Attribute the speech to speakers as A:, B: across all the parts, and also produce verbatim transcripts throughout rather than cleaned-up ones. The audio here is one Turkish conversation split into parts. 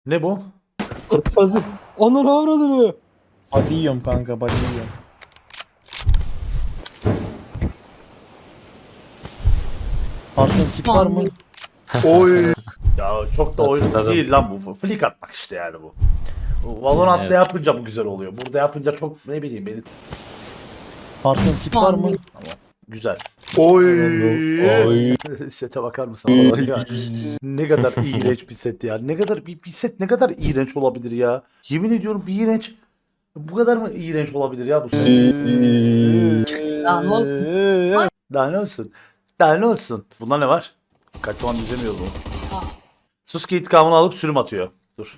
A: Ne bu?
B: Hazır. Onur avradını.
C: Body yiyorum kanka, body yiyorum. Arkan kit var mı?
A: Oy. Ya çok da oyun
B: Hatırladım.
A: değil lan bu. Flick atmak işte yani bu. Bu Valorant'ta
B: Evet.
A: yapınca bu güzel oluyor. Burada yapınca çok ne bileyim beni
C: Arkan kit var mı?
A: güzel. Oy.
B: Oy.
A: Sete bakar mısın? Allah ya. Ne kadar iğrenç bir set ya. Ne kadar bir, bir set ne kadar iğrenç olabilir ya. Yemin ediyorum bir iğrenç. Bu kadar mı iğrenç olabilir ya bu set?
D: Ya ne olsun?
A: Daha ne olsun? Daha ne olsun? Bunda ne var? Kaç zaman izlemiyoruz bunu.
D: Ha.
A: Suski intikamını alıp sürüm atıyor. Dur.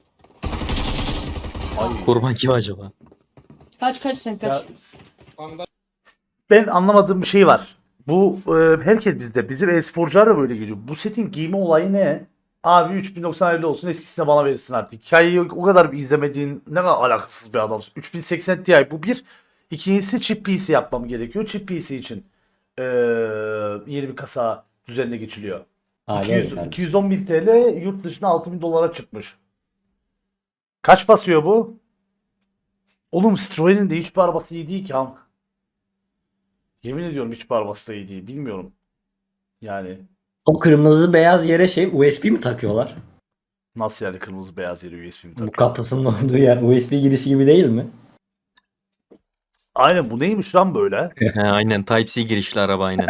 A: Ay.
B: Kurban kim acaba?
D: Kaç kaç sen kaç.
A: Ya, ben anlamadığım bir şey var. Bu e, herkes bizde. Bizim e-sporcular da böyle geliyor. Bu setin giyme olayı ne? Abi üç bin doksan elli olsun, eskisine bana verirsin artık. Hikayeyi o kadar bir izlemediğin ne kadar alakasız bir adamsın. üç bin seksen Ti bu bir. İkincisi chip P C yapmam gerekiyor. Chip P C için e, yeni bir kasa düzenine geçiliyor. iki yüz, iki yüz on bin T L yurt dışına altı bin dolara çıkmış. Kaç basıyor bu? Oğlum Citroen'in de hiçbir arabası iyi değil ki Hank. Yemin ediyorum hiçbir arabası da iyi değil. Bilmiyorum. Yani
E: O kırmızı beyaz yere şey U S B mi takıyorlar?
A: nasıl yani kırmızı beyaz yeri U S B mi
E: Bu
A: takıyor?
E: kapısının olduğu yer U S B girişi gibi değil mi?
A: Aynen bu neymiş lan böyle?
B: He, aynen Type-C girişli araba aynen.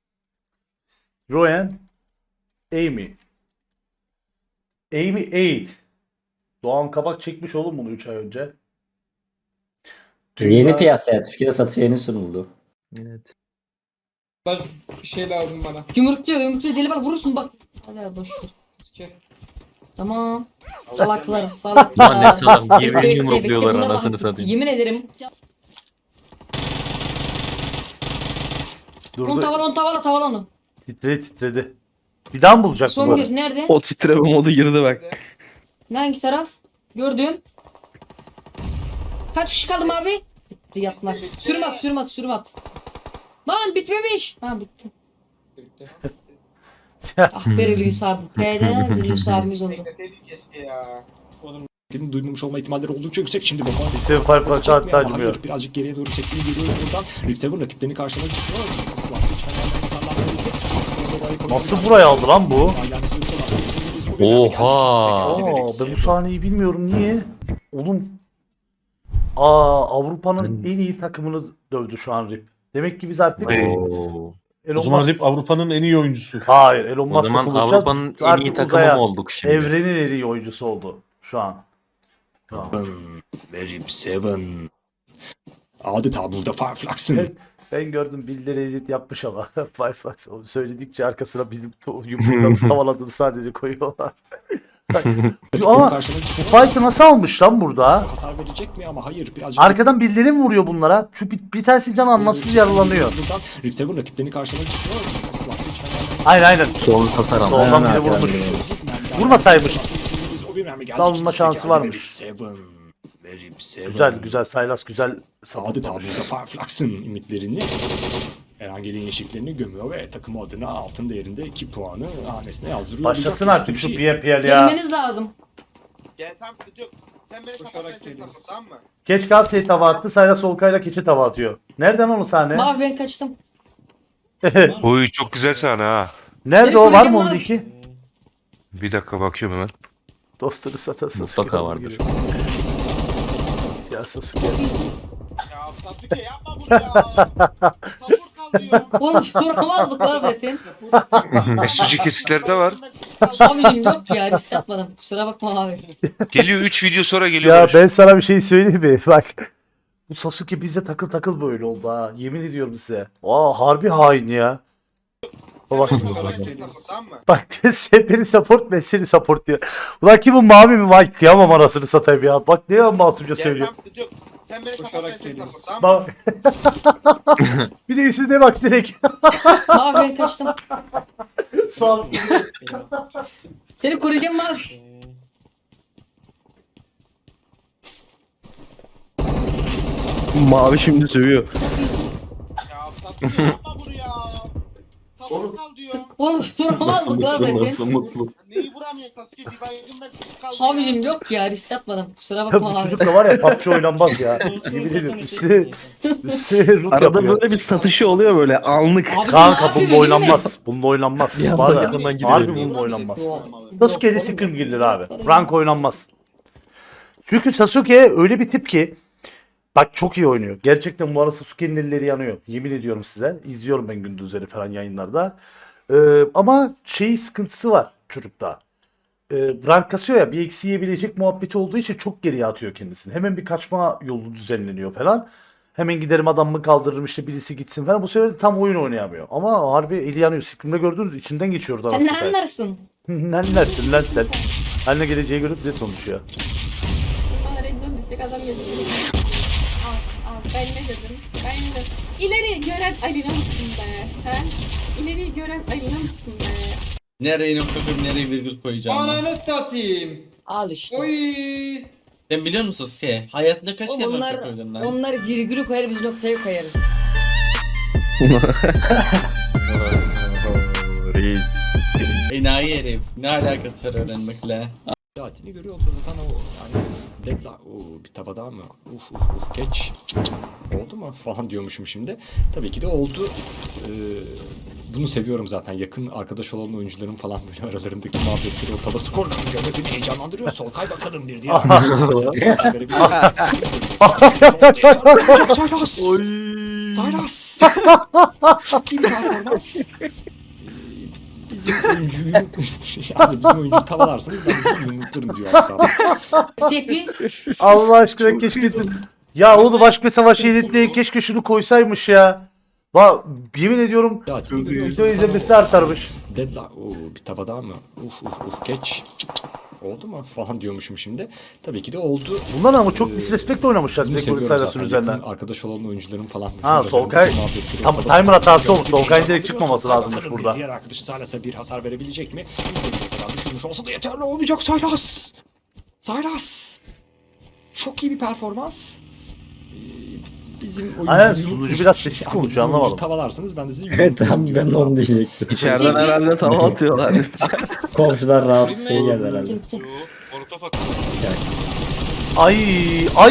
A: Royan Amy. Amy eight. Doğan Kabak çekmiş oğlum bunu üç ay önce.
E: Yeni
A: Dünya-
E: piyasaya Türkiye'de satışa yeni sunuldu.
B: Evet.
F: Bir şey lazım bana.
D: Yumrukluyor yumrukluyor deli var vurursun bak. Hadi hadi boş ver.
F: İki.
D: Tamam. Salaklar salaklar.
B: Lan ne salak, birbirini
D: Bekle, bekle,
B: yumrukluyorlar
D: bekle. Bunlar
B: anasını
D: bak,
B: satayım.
D: Yemin ederim. On
A: Durdu.
D: tavala on tavala tavala onu.
A: Titredi titredi. Bir daha mı bulacak
D: Son
A: bunları?
D: bir nerede?
C: O titreme modu girdi bak.
D: Ne hangi taraf? Gördüm. Kaç kişi kaldım abi? Bitti yatma. Sürüm at sürüm at sürüm at. Lan bitmemiş. Ha bitti.
F: Birlikte.
D: Ah be Hulusi abi. P'de Hulusi abimiz oldu.
F: Bekleseydin keşke ya.
G: Duymamış olma ihtimalleri oldukça yüksek. Şimdi bomba
A: Seven Firefox
G: çekmiyor
A: hatta
G: ama
A: acımıyor.
G: hayır, birazcık geriye doğru çektiğini görüyoruz buradan. Rip Seven rakiplerini karşılamak istiyor.
A: Nasıl buraya aldı lan bu?
B: Oha!
A: Aa, ben bu sahneyi bilmiyorum niye? Oğlum. Aa Avrupa'nın
B: Ben-
A: en iyi takımını dövdü şu an Rip. Demek ki biz artık
B: Oo.
A: Elon
C: O zaman
A: Musk-
C: Rip Avrupa'nın en iyi oyuncusu.
A: Hayır Elon
B: O
A: Musk'la
B: zaman
A: konuşacağız.
B: Avrupa'nın en iyi
A: Artık
B: takımı
A: uzaya,
B: mı olduk şimdi?
A: Evrenin en iyi oyuncusu oldu şu an. Tamam.
G: Rip Seven. Adeta burada Fireflux'ın.
A: Evet. Ben gördüm birileri edit yapmış ama Firefox onu söyledikçe arkasına bizim to- yumrukları tavaladığını sadece koyuyorlar. Ama bu fight'ı nasıl almış lan burada?
G: Hasar verecek mi ama hayır birazcık.
A: Arkadan birileri mi vuruyor bunlara? Şu bir, bir tanesi can anlamsız yaralanıyor.
G: Buradan Rip Seven rakiplerini karşılamak istiyor.
A: Aynen aynen.
B: Sol hasar aldı.
A: Soldan biri
E: Aynen,
A: vurmuş.
E: aynen.
A: Vurmasaymış.
G: Dalma
A: şansı varmış.
G: Güzel.
A: Güzel güzel Saylas güzel
G: Adeta
A: saplamış.
G: burada Fireflux'ın ümitlerini Erangel'in yeşilliklerini gömüyor ve takımı adına altın değerinde iki puanı hanesine yazdırıyor.
A: Başlasın
G: Olacak
A: artık şu
G: bir
A: P P L ya.
D: Gelmeniz lazım.
F: Gel tam sıkıntı yok. Sen beni Koşarak kapatmaya çalışma
A: şey
F: tamam tamam mı?
A: Geç Galatasaray'a tava attı. Saylas Solkay'la keçi tava atıyor. Nereden onu sahne?
D: Mavi ben kaçtım.
H: Oy çok güzel sahne ha.
A: Nerede
D: Seni
A: o var
D: koruyacağım
A: mı
D: lan.
A: onun iki?
H: Bir dakika bakıyorum hemen.
A: Dostunu satasın.
B: Mutlaka vardır.
A: Ya Sasuke.
F: Ya Sasuke yapma bunu ya. Sabır kal diyor.
D: Oğlum vuramazdık lan zaten.
H: S U G kesiklerde var.
D: Abicim yok ya risk atmadım. Kusura bakma abi.
H: Geliyor üç video sonra geliyor.
A: Ya
H: Barış.
A: ben sana bir şey söyleyeyim mi? Bak. Bu Sasuke bize takıl takıl böyle oldu ha. Yemin ediyorum size. Aa harbi hain ya. Baba.
F: Sen beni kapatmaya çalışma tamam mı?
A: Bak sen beni support ben seni support diyor. Ulan ki bu mavi mi? Vay kıyamam anasını satayım ya. Bak ne masumca
F: Gel
A: söylüyor.
F: tam sıkıntı yok. Sen beni kapatmaya
G: Koşarak
F: çalışma
G: geliyoruz.
F: tamam mı?
A: Bak. Bir de üstüne bak direkt.
D: Mavi ben kaçtım.
A: Sağ ol.
D: Seni koruyacağım mavi.
C: Mavi şimdi sövüyor.
F: Ya Sasuke yapma bunu ya. Sabır kal diyor.
D: Oğlum vuramazdık lan zaten.
B: Nasıl mutlu?
F: Neyi vuramıyor? yapamıyorsun Sasuke? Bir baygınlar kaldı
D: Abicim
F: ya.
D: yok ya risk atmadım. Kusura
A: Ya
D: bakma
A: bu
D: abi.
A: çocuk da var ya P U B G oynanmaz ya.
I: Olsun,
A: Yemin
I: zaten
A: ediyorum.
I: eşek
A: Üstüne,
I: değilsin.
A: üstüne root
C: Arada
A: yapıyor.
C: böyle bir satışı oluyor böyle anlık.
D: Abi,
A: Kanka
D: ne
A: bununla
D: yapıyorsun?
A: oynanmaz. Bununla oynanmaz.
C: Bir anda
A: Var ya,
C: yanından gidiyor.
A: harbi bununla oynanmaz. Sasuke ile Scream gelir abi. Rank oynanmaz. Çünkü Sasuke öyle bir tip ki bak çok iyi oynuyor. Gerçekten bu arada Sasuke'nin elleri yanıyor. Yemin ediyorum size. İzliyorum ben gündüzleri falan yayınlarda. Ee, ama şey sıkıntısı var çocukta. Ee, rank kasıyor ya bir eksi yiyebilecek muhabbeti olduğu için çok geriye atıyor kendisini. Hemen bir kaçma yolu düzenleniyor falan. Hemen giderim adamımı kaldırırım işte birisi gitsin falan. Bu sefer de tam oyun oynayamıyor. Ama harbi eli yanıyor. Scream'de gördünüz içinden geçiyordu.
D: Sen ne
A: arasında.
D: anlarsın?
A: Ne dersin lan sen? Haline geleceği görüp bize konuşuyor.
J: Bana rezon düşecek adam yazıyor. Al al ben ne dedim? Ben de ileri gören Alina mısın be? He? İleri gören Alina mısın be?
I: Nereye nokta koyup nereye virgül koyacağım?
K: Ananı satayım.
D: Al işte.
K: Oy.
I: Sen biliyor musun Sasuke? Hayatında kaç kere
D: Onlar,
I: nokta koydun lan?
D: onlar virgülü koyar biz noktayı koyarız.
B: Reis.
I: Enayi herif. Ne alakası var öğrenmekle?
G: Saatini görüyor zaten o yani deadline. Oo, bir taba daha mı? Uf uf uf geç. Oldu mu? Falan diyormuşum şimdi. Tabii ki de oldu. Ee, bunu seviyorum zaten. Yakın arkadaş olan oyuncuların falan böyle aralarındaki muhabbetleri o taba skor görmek beni heyecanlandırıyor. Sol kay bakalım bir diye. Saylas! Saylas! Çok iyi bir performans. Ee, Bizim oyuncuyu yani bizim oyuncuyu tavalarsanız ben de sizi yumruklarım diyor hatta.
D: Tepi.
A: Allah aşkına keşke... Ya oğlum aşk ve savaş şehitliği keşke şunu koysaymış ya. Ba yemin ediyorum video izlemesi artarmış.
G: Deadline. Oo, bir taba daha mı? Uf uf uf geç. Oldu mu? Falan diyormuşum şimdi. Tabii ki de oldu.
A: Bunlar ama çok
G: Ee,
A: disrespect oynamışlar
G: Bunu
A: direkt
G: seviyorum
A: Saylas'ın
G: zaten.
A: üzerinden.
G: Yakın arkadaş olan oyuncuların falan.
A: Ha,
G: aralarındaki
A: Solkay
G: muhabbetleri
A: tam
G: o
A: timer
G: taba
A: hatası
G: skor
A: olmuş.
G: görmek
A: Solkay'ın
G: beni
A: direkt çıkmaması
G: heyecanlandırıyor.
A: lazımmış
G: Bakalım
A: burada.
G: bir diğer arkadaşı Saylas'a bir hasar verebilecek mi? İstediği kadar düşürmüş olsa da yeterli olmayacak Saylas. Saylas. Çok iyi bir performans. Ee, Bizim
A: Aynen,
G: oyuncuyu-
A: sunucu biraz sessiz
G: Yani
A: konuşuyor,
G: bizim oyuncuyu
A: anlamadım.
G: Tavalarsanız ben de sizi
E: Evet tam
G: yumruklarım
E: ben de
G: diyor.
E: onu diyecektim.
C: İçeriden herhalde tava atıyorlar.
E: Komşular rahatsız şey geldi herhalde.
H: Molotof at.
A: Ay ay.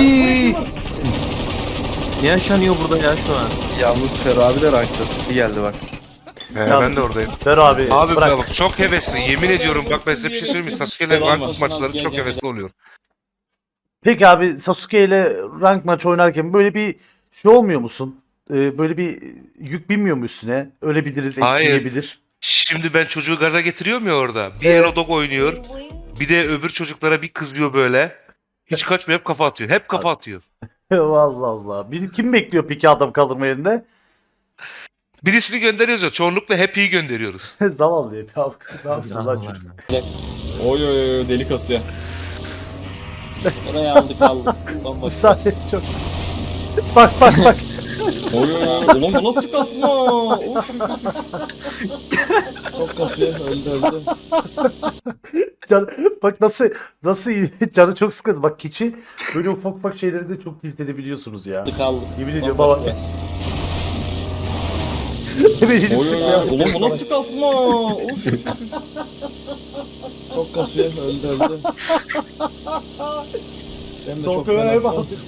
B: Ne yaşanıyor burada ya şu an?
C: Yalnız Fer abi de rankta sesi geldi bak.
H: He, ben de oradayım.
A: Ver abi.
H: Abi
A: bırak.
H: bak çok hevesli. Yemin ediyorum bak ben size bir şey söyleyeyim mi? Sasuke'yle rank maçları çok hevesli oluyor.
A: Peki abi Sasuke ile rank maç oynarken böyle bir şey olmuyor musun? Ee, böyle bir yük binmiyor mu üstüne? Ölebiliriz,
H: Hayır.
A: eksilebilir.
H: Şimdi ben çocuğu gaza getiriyorum ya orada. Bir
A: Evet.
H: Hello Dog oynuyor. Bir de öbür çocuklara bir kızıyor böyle. Hiç kaçmıyor hep kafa atıyor. Hep kafa atıyor.
A: Allah Allah. Bir, kim bekliyor peki adam kaldırma yerine?
H: Birisini gönderiyoruz ya. Çoğunlukla Happy'yi gönderiyoruz.
A: Zavallı ya. Abi, ne yapsın lan çocuk?
K: Oy oy oy deli kasıyor. Oraya aldık aldık. Bambaşka.
A: Müsaade çok. Bak bak bak.
K: Oy oy oy. Ulan bu nasıl kasma? Of. Çok kasıyor. Öldü öldü.
A: Can, bak nasıl nasıl iyi. Canı çok sıkıntı. Bak keçi böyle ufak ufak şeyleri de çok tilt edebiliyorsunuz ya.
K: Aldık aldık.
A: Yemin ediyorum baba. Hemen elini
K: Oy oy
A: sıkmaya
K: oy. Ulan bu nasıl kasma? Of. Çok kasıyor. Öldü öldü. Benim de çok
A: Çok önemli
K: fena.
A: aldık.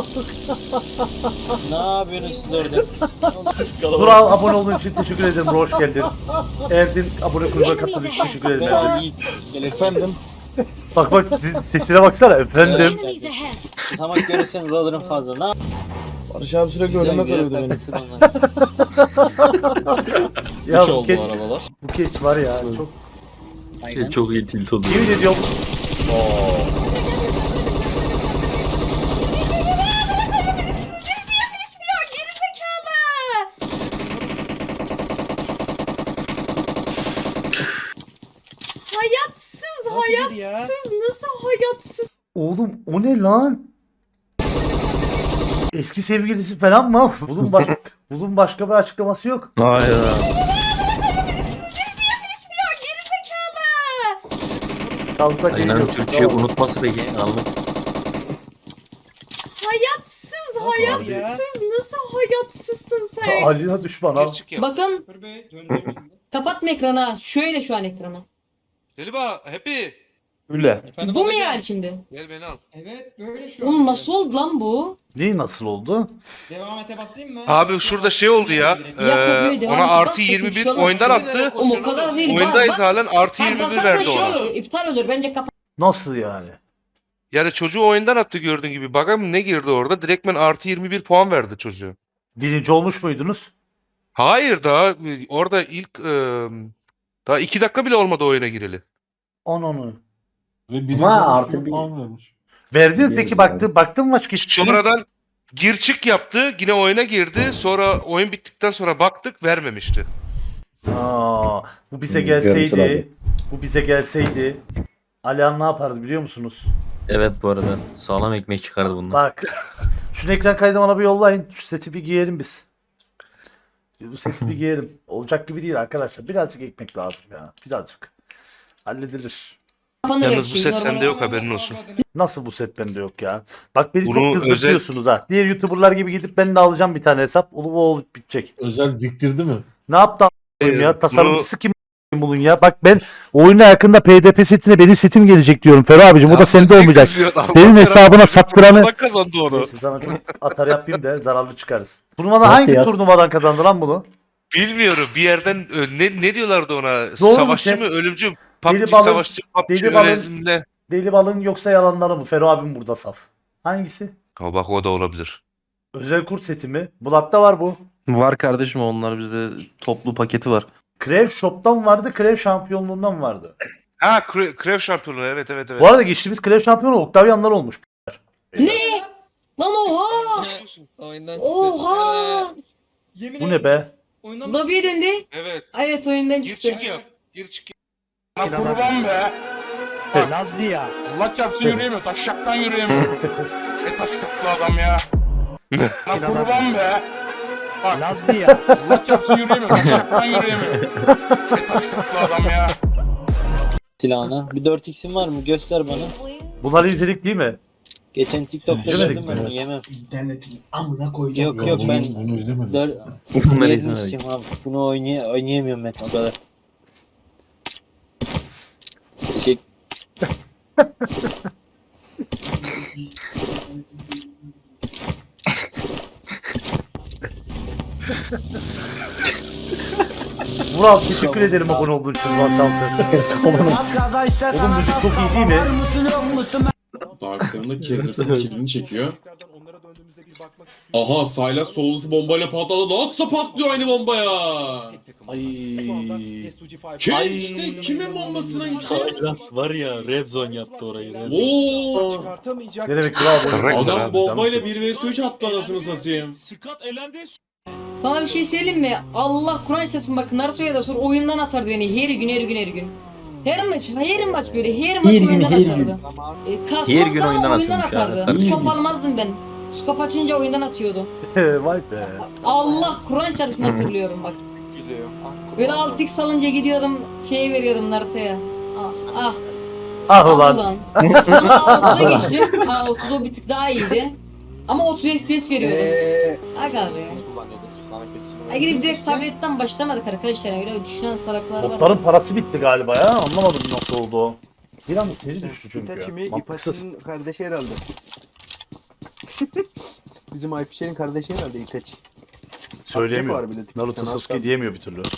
K: Ne yapıyorsunuz siz orada?
A: Dur abi, abone olduğun için teşekkür ederim. Hoş geldin. Erdin abone kulübüne katıldığın için teşekkür ederim Erdin.
K: Gel efendim.
A: Bak bak sesine baksana efendim.
K: Tamam görürseniz alırım fazla. Ne
C: Barış abi sürekli önüme kırıyordu beni.
A: Ya
K: Üç
A: bu
K: oldu
A: keç,
K: arabalar.
A: bu keç var ya çok.
B: Şey, çok iyi tilt oluyor.
A: Yemin ediyorum.
J: Hayatsız hayatsız nasıl hayatsız?
A: Oğlum o ne lan? Eski sevgilisi falan mı? Bunun, baş bunun başka bir açıklaması yok.
C: Hayır.
A: Kalsak
B: Aynen
A: geliyor.
B: Türkçe unutması peki anlık.
J: Hayatsız hayatsız nasıl hayatsızsın sen?
A: Alina düşman al.
H: Gerçek ya.
D: Bakın kapatma ekranı. Şöyle şu an ekranı.
H: Deliba, Happy.
C: Öyle.
G: Efendim,
D: Bu mu
G: babacığım?
D: yani şimdi?
H: Gel beni al.
G: Evet böyle şu an.
D: Oğlum nasıl oldu lan bu?
A: Neyi nasıl oldu?
G: Devam ete basayım mı?
H: Abi şurada şey oldu ya.
G: Direkt.
H: Ee,
D: Yapma, devam
H: ona
D: et,
H: artı
D: bas
H: yirmi
D: bakayım,
H: bir
D: şu an
H: oyundan
D: şöyle
H: attı.
D: Oğlum o kadar değil.
H: Oyundayız
D: Bak,
H: halen artı
D: bak,
H: yirmi bir
D: basarsan
H: verdi
D: şey
H: ona.
D: olur, iptal olur bence kapat.
A: Nasıl yani?
H: Yani çocuğu oyundan attı gördüğün gibi. Bakalım ne girdi orada. Direktmen artı yirmi bir puan verdi çocuğu.
A: Birinci olmuş muydunuz?
H: Hayır daha e, orada ilk e, daha iki dakika bile olmadı oyuna gireli.
A: On onu.
E: Ama artı bir...
A: Verdin mi
E: Biliyoruz
A: peki
E: abi.
A: baktın baktın mı maç geçmişine?
H: Sonradan gir çık yaptı. Yine oyuna girdi. Sonra oyun bittikten sonra baktık vermemişti.
A: Aa, bu bize
E: Hmm,
A: gelseydi,
E: görüntüler.
A: bu bize gelseydi Alihan ne yapardı biliyor musunuz?
B: Evet bu arada sağlam ekmek çıkardı bundan.
A: Bak. Şunu ekran kaydı bana bir yollayın. Şu seti bir giyelim biz. Bu seti bir giyelim. Olacak gibi değil arkadaşlar. Birazcık ekmek lazım ya. Birazcık. Halledilir.
D: Kapanır her
H: Yalnız bu
D: şey,
H: set
D: normal.
H: sende yok haberin olsun.
A: Nasıl bu set bende yok ya? Bak beni
H: Bunu
A: çok kızdırtıyorsunuz ha. Diğer YouTuber'lar gibi gidip ben de alacağım bir tane hesap. Ulu bu olup bitecek.
K: Özel diktirdi mi?
A: Ne yaptı a**ayım
H: Ee,
A: ya? Tasarımcısı
H: bunu-
A: kim a**ayım bunun ya? Bak ben oyuna yakında P D P setine benim setim gelecek diyorum Ferro abicim. O da sende olmayacak. Senin hesabına sattıranı...
H: Bak kazandı onu.
A: Neyse sana çok atar yapayım da zararlı çıkarız. Turnuvada
E: Nasıl
A: hangi
E: yaz?
A: turnuvadan kazandı lan bunu?
H: Bilmiyorum bir yerden ö, ne ne diyorlardı ona?
A: mu
H: Savaşçı
A: Cem?
H: mı ölümcü?
A: Deli
H: P U B G
A: balın-
H: savaşçı, P U B G
A: deli balın-
H: önerimle.
A: Deli balın yoksa yalanları mı? Ferro abim burada saf. Hangisi?
H: Ha bak o da olabilir.
A: Özel kurt seti mi? Blood'da var bu.
C: Var kardeşim onlar bizde toplu paketi var.
A: Krev Shop'tan vardı, Krev şampiyonluğundan vardı.
H: Ha Kre- Krev şampiyonu evet evet evet.
A: Bu arada geçtiğimiz Krev şampiyonu Octavian'lar olmuş.
D: Ne? Lan oha!
G: Oyundan
D: Oha!
A: Bu ne be?
D: Lobiye döndü.
H: Evet.
D: Evet oyundan
H: Gir
D: çıktı.
H: çık yap. Gir çık yap.
F: Lan kurban be.
E: Lazlı ya.
F: Allah çarpsın yürüyemiyor. Taşşaktan yürüyemiyor. Ne taşşaklı adam ya. Lan kurban be. Bak
E: Lazlı ya.
F: Allah çarpsın yürüyemiyor. Taşşaktan yürüyemiyor. Ne taşşaklı adam ya.
I: Silahına. Bir dört x'in var mı? Göster bana.
A: Bunlar nitelik değil mi?
I: Geçen TikTok'ta
A: İzlemedik
I: gördüm ben
A: mi?
I: onu yemem.
F: İnternetin amına koyacağım.
I: Yok yok ben
K: Bunu izlemedim.
I: dör...
B: Bunları
I: Yerini
B: izlemedik.
I: sikeyim abi. Bunu oynay oynayamıyorum ben o kadar. Teşekkür.
A: Vural teşekkür ederim abone olduğun için. Oğlum müzik çok iyi değil mi?
K: Darkseid'ın Kezir'sin kilini çekiyor. Aha Saylas solusu bombayla patladı. Nasıl patlıyor aynı bombaya?
A: Ay.
K: Kim işte kimin bombasına gitti?
B: Saylas var ya red zone yaptı orayı. Red zone.
K: Oo!
A: Ne demek Vural?
H: Correct.
K: Adam
H: abi,
K: bombayla bir vs üç attı anasını satayım.
D: Sana bir şey söyleyeyim mi? Allah Kur'an çarpsın bak Naruto'ya da sor oyundan atardı beni her gün her gün her gün. Her maç, her maç böyle her maç
E: Her gün,
D: oyundan
E: her
D: atardı.
E: gün.
D: E, kasmazsa
B: Her gün oyundan
D: oyundan
B: atıyormuş ya,
D: atardı.
B: kardeşim.
D: Skop almazdım ben. Skop açınca oyundan atıyordu.
A: Vay be.
D: Allah Kur'an çarpsın hatırlıyorum bak. Böyle altı x alınca gidiyordum şey veriyordum Naruto'ya. Ah ah.
A: Ah ulan.
D: ulan. Sonra otuza geçtim. Ha otuz o bir tık daha iyiydi. Ama otuz F P S veriyordum. Aga be. Ha gidip direkt tabletten başlamadık arkadaşlar. Öyle düşünen salaklar var.
A: Botların parası bitti galiba ya. Anlamadım nasıl oldu o. Bir anda seri düştü çünkü. Mantıksız.
C: kardeşi herhalde. Bizim Aypişer'in kardeşi herhalde İteç.
A: Söyleyemiyor. Naruto Sasuke diyemiyor bir türlü.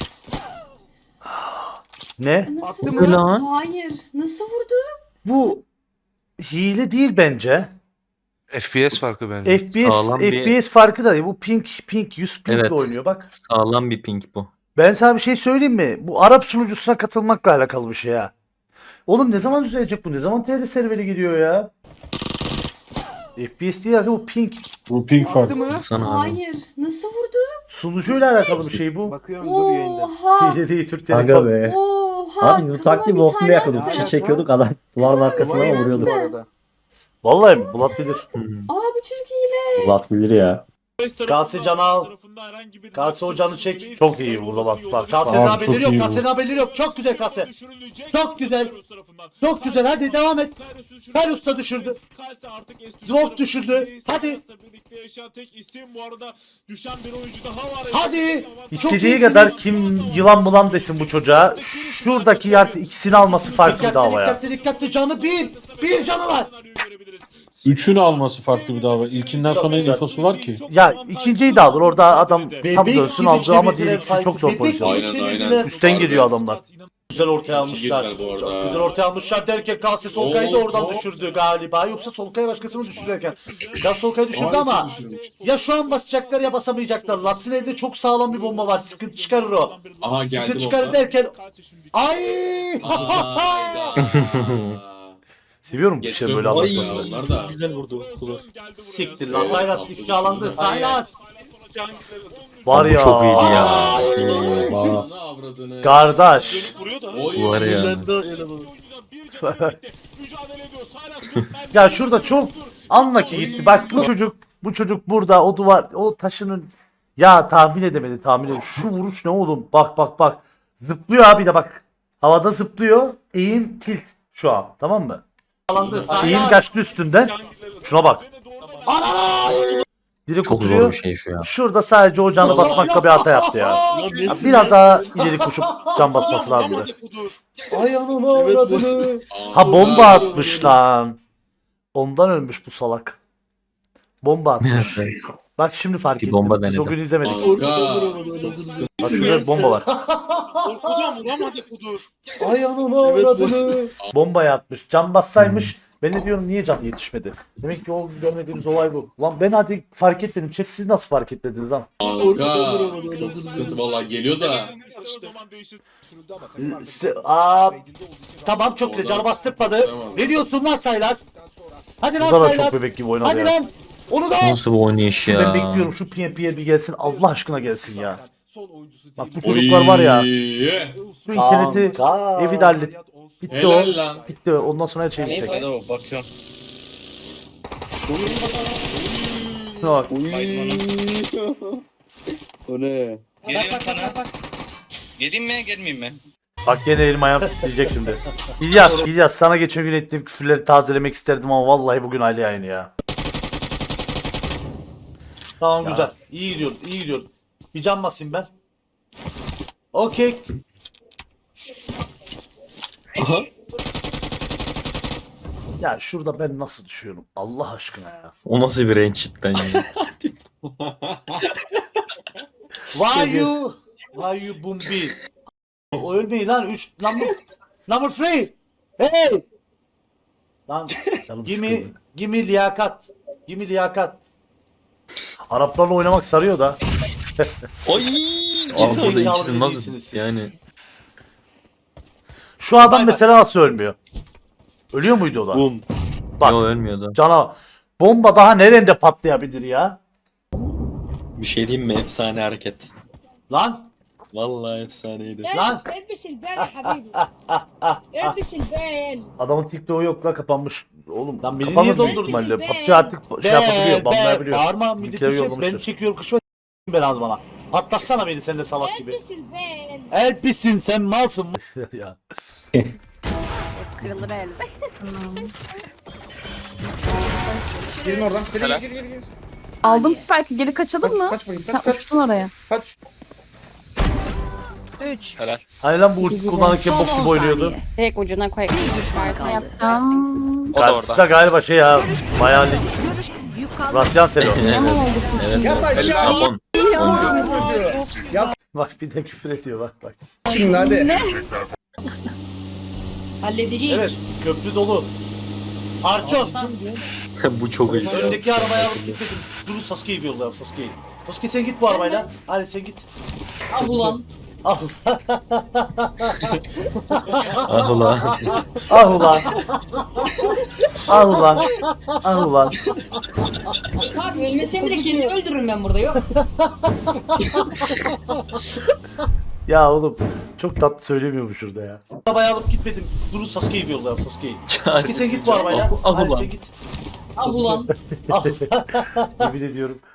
A: Ne?
J: Nasıl
B: Attı mı lan?
J: Hayır. Nasıl vurdu?
A: Bu hile değil bence.
H: F P S farkı bence.
A: F P S
B: Sağlam bir-
A: F P S farkı da değil. Bu pink pink yüz pinkle
B: Evet.
A: oynuyor bak.
B: Sağlam bir ping bu.
A: Ben sana bir şey söyleyeyim mi? Bu Arap sunucusuna katılmakla alakalı bir şey ya. Oğlum ne zaman düzelecek bu? Ne zaman T R serveri geliyor ya? F P S değil bu pink.
K: Bu ping farkı.
B: Sana abi.
J: Hayır. Nasıl vurdu?
A: Sunucuyla alakalı bir şey bu.
C: Bakıyorum
J: Oha.
A: Hile değil Türk
E: Aga
A: Telekom.
E: be.
J: Oha.
E: Abi biz bu
J: kafama
E: taktiği
J: bir
E: bokunda
J: tane
E: yakıyorduk.
J: attı.
E: Fişi çekiyorduk adam. Duvarın arkasına
J: Aynen.
E: vuruyorduk.
A: Vallahi mi? Bulat bilir.
J: Aa bu çocuk hile.
E: Bulat bilir ya.
A: Kase canı al. Kase o canı çek. Çok iyi burada bak bak. Kase'nin haberleri yok. Kase'nin haberleri yok. Çok güzel Kase. Çok güzel. Çok güzel. Hadi devam et. Karius da düşürdü. Zwof düşürdü. Hadi. Hadi. İstediği kadar kim yılan bulan desin bu çocuğa. Şuradaki yer ikisini alması farklı bir dava ya. Dikkatli dikkatli canı bir. Bir canı var.
K: Üçünü alması farklı bir dava. İlkinden sonra en infosu var ki.
A: Ya ikinciyi de alır. Orada adam tam
F: Bebek
A: dönsün
F: gibi
A: aldı ama diğer
F: çevirdiler
A: ikisi çok zor
F: Bebek
A: pozisyon.
F: gibi
I: Aynen,
F: çevirdiler.
I: aynen.
A: Üstten geliyor adamlar.
F: Güzel ortaya almışlar.
I: bu arada.
F: Çok güzel ortaya almışlar derken Kase Solkay'ı da oradan düşürdü galiba. Yoksa Solkay başkasını düşürürken. Kase Solkay'ı düşürdü ama ya şu an basacaklar ya basamayacaklar. Lats'ın evde çok sağlam bir bomba var. Sıkıntı çıkarır o.
I: Aha geldi
F: Sıkıntı çıkarır derken ay!
A: Seviyorum bu şey böyle anlatmasını.
I: Onlar da.
B: Güzel vurdu.
F: Siktir lan Saylas ifşalandı. Saylas!
A: Var
B: Bu
A: ya.
B: çok iyiydi ya.
I: Ananı avradını.
A: Kardeş.
I: Oy.
B: Var ya.
A: Ya şurada çok unlucky gitti. Bak bu çocuk bu çocuk burada o duvar o taşının ya tahmin edemedi tahmin edemedi. Şu vuruş ne oğlum? Bak bak bak. Zıplıyor abi de bak. Havada zıplıyor. Eğim tilt şu an. Tamam mı? Eğim kaçtı üstünden. Şuna bak. Direkt
B: Çok zor
A: oturuyor.
B: bir şey şu ya.
A: Şurada sadece o canı basmakla bir hata yaptı ya. Ya biraz daha ileri koşup can basması lazımdı. Ay anam avradını. Ha bomba atmış lan. Ondan ölmüş bu salak. Bomba atmış. Bak şimdi fark
B: Bir
A: ettim.
B: bomba
A: Biz
B: denedim.
A: o gün izlemedik.
I: Kanka.
A: Bak şurada bir bomba var. Ay anam avradını. Bombaya atmış. Can bassaymış. Ben de diyorum niye can yetişmedi? Demek ki o görmediğimiz olay bu. Lan ben hadi fark etmedim. Chat siz nasıl fark etmediniz lan?
I: Kanka. Çok sıkıntı valla geliyor da.
A: İşte, aa, tamam çok güzel. Canı bastırmadı.
I: Tamam.
A: Ne diyorsun lan Saylas? Hadi lan
F: Burada da
A: Saylas.
F: çok bebek gibi oynadı
A: Hadi
F: ya.
A: lan. Onu da.
B: Nasıl bir oynayış
A: Ben
B: ya.
A: bekliyorum şu P M P'ye bir gelsin. Allah aşkına gelsin ya. Bak bu çocuklar var ya. Şu interneti
F: Kanka.
A: evi de hallet. Bitti
I: Helal
A: o.
I: lan.
A: Bitti o. Ondan sonra her şey bitecek.
I: Bakıyorum.
A: Şuna bak.
C: O ne?
I: Geleyim sana. Geleyim mi gelmeyeyim mi?
A: Bak gene elim ayağım titreyecek şimdi. İlyas, İlyas sana geçen gün ettiğim küfürleri tazelemek isterdim ama vallahi bugün aile yayını ya. Tamam güzel. İyi gidiyoruz, iyi gidiyoruz. Bir can basayım ben. Okey. Ya şurada ben nasıl düşüyorum? Allah aşkına ya.
B: O nasıl bir range cidden yani.
A: Why you? Why you bumbi? O ölmeyin lan. üç number number three. Hey! Lan gimme gimme liyakat. Gimme liyakat. Araplarla oynamak sarıyor da.
B: Oy!
A: Git
B: Orada
A: zekalı
B: ikisi
A: değilsiniz
B: nasıl
A: siz.
B: yani.
A: Şu adam mesela nasıl ölmüyor? Ölüyor muydu o da?
B: Bum.
A: Bak.
B: Yo ölmüyordu.
A: Cana bomba daha nerede patlayabilir ya?
B: Bir şey diyeyim mi? Efsane hareket.
A: Lan
B: Vallahi efsaneydi.
A: lan
J: البس البال يا حبيبي البس البال
A: adamın TikTok'u yok la kapanmış. Oğlum
F: Lan beni
A: kapanır
F: niye
A: büyük
F: doldurdun?
A: ihtimalle. P U B G artık şey yapabiliyor, banlayabiliyor.
F: Bağırma
A: Bizimkileri
F: milleti çek. Ben
A: yollamıştır.
F: çekiyorum kışma ben az bana. Patlatsana beni sen de salak gibi.
J: البس البال
F: Elpisin sen malsın.
A: ya.
J: kırılır el.
K: Girin oradan. Gir gir gir gir.
J: Aldım Spike'ı geri kaçalım mı?
K: Kaç bakayım.
J: Sen
K: Kaç kaç
J: uçtun oraya.
K: kaç.
J: üç.
A: Hani lan bu ulti kullanırken bok gibi oynuyordu.
J: Tek ucuna koy. Düşman yapacağım.
A: Karşısı da galiba şey ya. Bayağı lig. Rasyan Telo.
B: Evet. Evet. Japon.
A: Bak bir de küfür ediyor bak bak.
K: Şimdi hadi.
D: Halledeceğiz.
A: Evet köprü dolu. Arçon.
B: Bu çok iyi.
A: Öndeki arabaya alıp gitmedim. Durun Sasuke'yi bir yollayalım Sasuke'yi. Sasuke sen git bu arabayla. Hadi sen git.
D: Ah ulan.
A: Al.
B: Ah ulan.
A: Ah ulan. Ah ulan. Ah ulan.
D: Abi ölmesem bile kendimi öldürürüm ben burada yok.
A: Ya oğlum çok tatlı söylemiyor bu şurada ya. Arabaya alıp gitmedim. Durun Sasuke'yi bir yollayalım Sasuke'yi. Sasuke sen git bu arabayla.
B: Ah
A: Hadi
B: ulan.
A: sen git.
D: Ah ulan.
A: Al. Yemin ediyorum.